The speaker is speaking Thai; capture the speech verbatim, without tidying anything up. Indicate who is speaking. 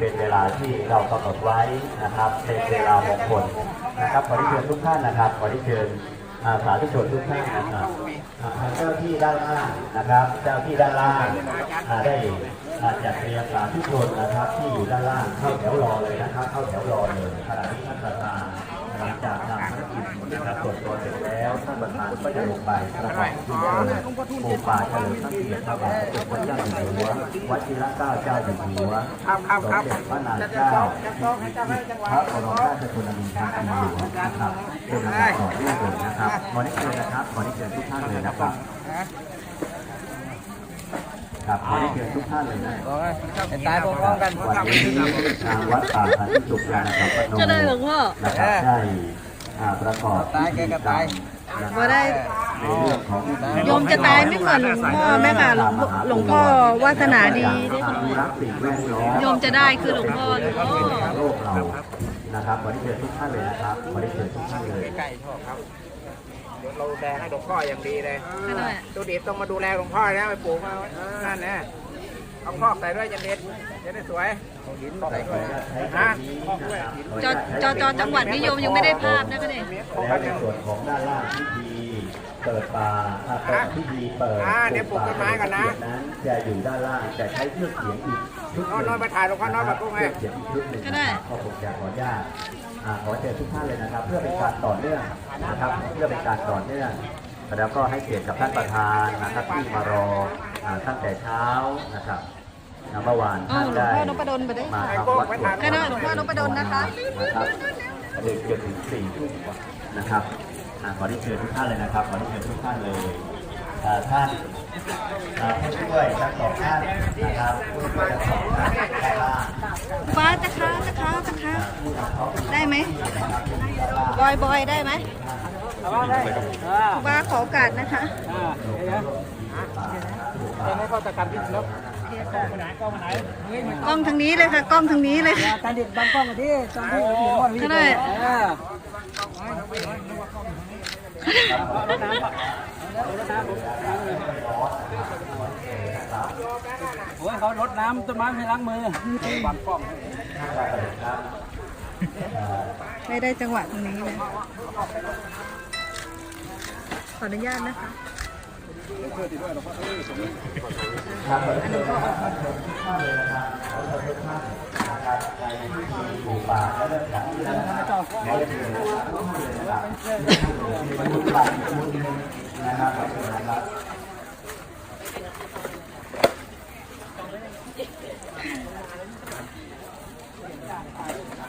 Speaker 1: เป็นเวลาที่เรากำหนดไว้นะครับเป็นเวลามงคลนะครับขอที่เชิญทุกท่านนะครับขอที่เชิญสาธุชนทุกท่านนะครับเจ้าที่ด้านล่างนะครับเจ้าที่ด้านล่างได้จัดเตรียมสาธุชนนะครับที่อยู่ด้านล่างเข้าแถวรอเลยนะครับเข้าแถวรอเลยขณะที่ท่านประธานหลังจากนำภารกิจนะครับตรวจตัวเสร็จแล้วท่านประธานก็จะลงไปประกอบพิธีเปิดโคมป่าเฉลิมพระเกียรติพระบาทสมเด็จพระเจ้าอยู่หัววชิรเกล้าเจ้าอยู่หัวสมเด็จพระนางเจ้าพระบรมราชชนนีพันปีหลวงนะครับเป็นลำดับต่อเนื่องเลยนะครับขอได้เชิญนะครับขอได้เชิญทุกท่านเลยนะครับครับขอได้เชิญทุกท่านเลยนะ
Speaker 2: ตายพร้อมๆกัน
Speaker 1: วันนี้ทางวัดป่าสันติสุขยานสัมปันโนนะครับได้ประกอบพิธีกรรม
Speaker 3: ก็ได้
Speaker 1: ในเรื่องของ
Speaker 3: โยมจะตายไม่เหมือนหลวงพ่อแม่ค่ะหลวงพ่อวาสนาดีโยมจะได้คือหลวงพ่อหลวงพ่อ
Speaker 1: โลกเรานะครับขอได้เชิญทุกท่านเลยนะครับขอได้เชิญทุกท่านเลย
Speaker 2: ใกล้ๆชอบครับเดี๋ยวเราดูแลให้หลวงพ่ออย่างดีเลยตัวเด็กต้องมาดูแลหลวงพ่อนะไปปลูกมานั่นนะเอาคอกใส่ด้วยจะเด็ดจะได้สวยหินใส่ด้วยนะคอกด้วย
Speaker 3: จอจอจอจังหวัดนิยมยังไม่ได้ภาพนะคะเนี่ย
Speaker 1: แล้วในส่วนของด้านล่างพิธีเปิดป่าเปิดพิธีเปิด
Speaker 2: เดี๋ยวปลูกต้นไม้กันนะ
Speaker 1: นั้นจะอยู่ด้านล่างแต่ใช้เครื่องเสียงอีกชุด
Speaker 2: นอนมาถ่ายหลวงพ่อนอนมาปลูกไง
Speaker 1: เสียงอีกชุดหนึ่งก็ผมจะขออนุญาตขอเชิญทุกท่านเลยนะครับเพื่อเป็นการต่อเนื่องนะครับเพื่อเป็นการต่อเนื่องแล้วก็ให้เกียรติกับท่านประธานนะครับที่มารอตั้งแต่เช้านะครับเมื่อวานท่านได้มาทำวัดสวด
Speaker 3: ก็ได้หลวงพ่อนพดลนะคะ
Speaker 1: นะครับเด็กจนถึงสี่ทุ่มนะครับขอที่เชิญทุกท่านเลยนะครับขอที่เชิญทุกท่านเลยท่านผู้ช่วยทั้งสองท่านนะครับผู้ช่วยทั้งสองท่านได้ล่า
Speaker 3: ฟ้าตะค้าตะค้าตะค้าได้ไหมบอยบอยได้ไหมว่าขอโอกาสนะคะ
Speaker 2: ไม่เข้าตะการพิษแล้ว
Speaker 3: กล้องทางนี้เลยค่ะกล้องทางนี้เลย
Speaker 2: ตาเด็ดบางกล้องที่จำได้
Speaker 3: ก็ได้
Speaker 2: โอ้ยเขารดน้ำต้นไม้ให้ล้างมือบางกล้อง
Speaker 3: ไม่ได้จังหวะตรงนี้เลยขออนุญาตนะคะ
Speaker 1: ครับขอเชิญทุกท่านเลยนะครับขอเชิญทุกท่านนะครับในพิธีปลูกป่าและเรื่องของที่นะครับขอเชิญทุกท่านเลยนะครับทุกท่านทุกท่านนะครับขอบคุณนะครับ